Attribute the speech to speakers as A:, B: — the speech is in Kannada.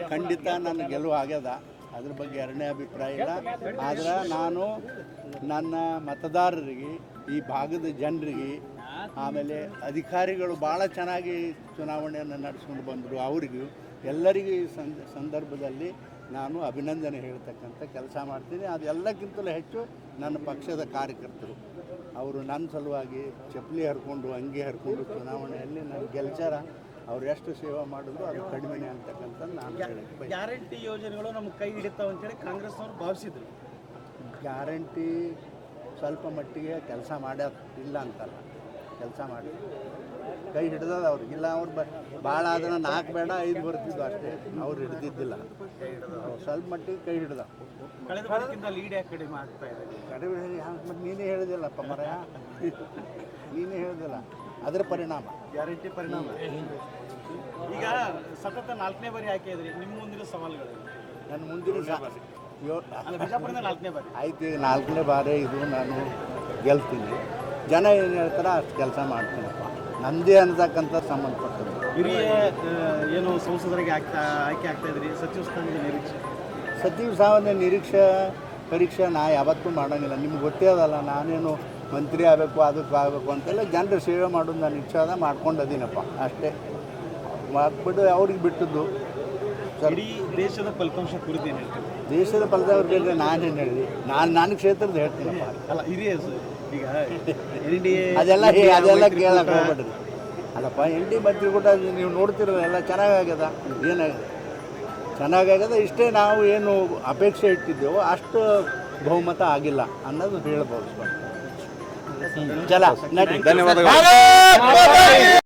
A: ಖಂಡಿತ ನನ್ನ ಗೆಲುವು ಆಗ್ಯದ, ಅದ್ರ ಬಗ್ಗೆ ಎರಡನೇ ಅಭಿಪ್ರಾಯ ಇಲ್ಲ. ಆದ್ರೆ ನಾನು ನನ್ನ ಮತದಾರರಿಗೆ, ಈ ಭಾಗದ ಜನರಿಗೆ, ಆಮೇಲೆ ಅಧಿಕಾರಿಗಳು ಭಾಳ ಚೆನ್ನಾಗಿ ಚುನಾವಣೆಯನ್ನು ನಡೆಸ್ಕೊಂಡು ಬಂದರು, ಅವರಿಗೂ ಎಲ್ಲರಿಗೂ ಈ ಸಂದರ್ಭದಲ್ಲಿ ನಾನು ಅಭಿನಂದನೆ ಹೇಳ್ತಕ್ಕಂಥ ಕೆಲಸ ಮಾಡ್ತೀನಿ. ಅದೆಲ್ಲಕ್ಕಿಂತಲೂ ಹೆಚ್ಚು ನನ್ನ ಪಕ್ಷದ ಕಾರ್ಯಕರ್ತರು, ಅವರು ನನ್ನ ಸಲುವಾಗಿ ಚಪ್ಪಲಿ ಹರ್ಕೊಂಡು ಅಂಗಿ ಹರ್ಕೊಂಡು ಚುನಾವಣೆಯಲ್ಲಿ ನನ್ನ ಗೆಲ್ಚಾರ. ಅವ್ರು ಎಷ್ಟು ಸೇವೆ ಮಾಡಿದ್ರು ಅದು ಕಡಿಮೆನೇ ಅಂತಕ್ಕಂಥದ್ದು ನಾನು ಹೇಳಕ್ಕೆ.
B: ಗ್ಯಾರಂಟಿ ಯೋಜನೆಗಳು ನಮ್ಗೆ ಕೈ ಹಿಡಿತಾವೆ ಅಂತೇಳಿ ಕಾಂಗ್ರೆಸ್ನವ್ರು ಭಾವಿಸಿದ್ರು.
A: ಗ್ಯಾರಂಟಿ ಸ್ವಲ್ಪ ಮಟ್ಟಿಗೆ ಕೆಲಸ ಮಾಡ್ಯಾರ, ಇಲ್ಲ ಅಂತಲ್ಲ, ಕೆಲಸ ಮಾಡಿ ಕೈ ಹಿಡ್ದದ ಅವ್ರಿಗಿಲ್ಲ. ಅವ್ರು ಭಾಳ ಆದ್ರೆ 4 ಬೇಡ 5 ಬರ್ತಿದ್ದು ಅಷ್ಟೇ, ಅವ್ರು ಹಿಡ್ದಿದ್ದಿಲ್ಲ. ಸ್ವಲ್ಪ ಮಟ್ಟಿಗೆ ಕೈ ಹಿಡ್ದ.
B: ಕಳೆದ ಬಾರಿಗಿಂತ ಲೀಡ್ ಯಾಕೆ ಕಡಿಮೆ ಆಗ್ತಾ ಇದೆ?
A: ಕಡಿಮೆ ಮತ್ತು ನೀನೇ ಹೇಳಿದಿಲ್ಲಪ್ಪ ಮರಯ, ನೀನೇ ಹೇಳಿದಿಲ್ಲ ಅದರ ಪರಿಣಾಮ,
B: ಗ್ಯಾರಂಟಿ ಪರಿಣಾಮ. ಈಗ ಸತತ 4ನೇ ಬಾರಿ ಆಯ್ಕೆ ಇದ್ರಿ, ನಿಮ್ಮ ಮುಂದಿನ ಸವಾಲುಗಳು?
A: ನನ್ನ ಮುಂದಿನ
B: ಬಿಜಾಪುರದಿಂದ 4ನೇ ಬಾರಿ
A: ಆಯ್ತು. ಈಗ 4ನೇ ಬಾರಿ ಇದು ನಾನು ಗೆಲ್ತೀನಿ. ಜನ ಏನು ಹೇಳ್ತಾರೆ ಅಷ್ಟು ಕೆಲಸ ಮಾಡ್ತೀನಪ್ಪ, ನಂದೇ ಅನ್ನತಕ್ಕಂಥ ಸಂಬಂಧಪಟ್ಟದ್ದು.
B: ಹಿರಿಯ ಏನು ಸಂಸದರಿಗೆ ಆಯ್ಕೆ ಆಗ್ತಾ ಇದ್ರಿ, ಸಚಿವ ಸ್ಥಾನದ ನಿರೀಕ್ಷೆ?
A: ಸಚಿವ ಸ್ಥಾನದ ಪರೀಕ್ಷೆ ನಾ ಯಾವತ್ತೂ ಮಾಡೋಂಗಿಲ್ಲ. ನಿಮ್ಗೆ ಗೊತ್ತೇ ಅದಲ್ಲ, ನಾನೇನು ಮಂತ್ರಿ ಆಗಬೇಕು ಅದಕ್ಕೆ ಆಗಬೇಕು ಅಂತೆಲ್ಲ ಜನರ ಸೇವೆ ಮಾಡೋದು ನಾನು ಇಚ್ಛೆ ಅದ, ಮಾಡ್ಕೊಂಡದೀನಪ್ಪ ಅಷ್ಟೇ. ಮಾಡ್ಬಿಟ್ಟು ಅವ್ರಿಗೆ ಬಿಟ್ಟದ್ದು.
B: ಇಡೀ ದೇಶದ ಫಲಿತಾಂಶ ಕುರಿತು ಏನು ಹೇಳ್ತೀವಿ?
A: ದೇಶದ ಫಲಿತಾಂಶ ನಾನೇನು ಹೇಳಿ, ನನ್ನ ಕ್ಷೇತ್ರದ ಹೇಳ್ತೀನಪ್ಪ.
B: ಅಲ್ಲ ಹಿರಿಯ ಈಗ
A: ಅದೆಲ್ಲ ಕೇಳಕ್ಕೆ ಹೋಗ್ಬೇಡ್ರಿ. ಅಲ್ಲಪ್ಪ ND ಮಂತ್ರಿಕೂಟ ನೀವು ನೋಡ್ತಿರಲ್ಲ, ಎಲ್ಲ ಚೆನ್ನಾಗಾಗ್ಯದ. ಏನಾಗಿದೆ? ಚೆನ್ನಾಗಾಗ್ಯದ. ಇಷ್ಟೇ ನಾವು ಏನು ಅಪೇಕ್ಷೆ ಇಟ್ಟಿದ್ದೇವೋ ಅಷ್ಟು ಬಹುಮತ ಆಗಿಲ್ಲ ಅನ್ನೋದು ಹೇಳ್ಬೋದು. ಚಲ ನಡಿ, ಧನ್ಯವಾದಗಳು.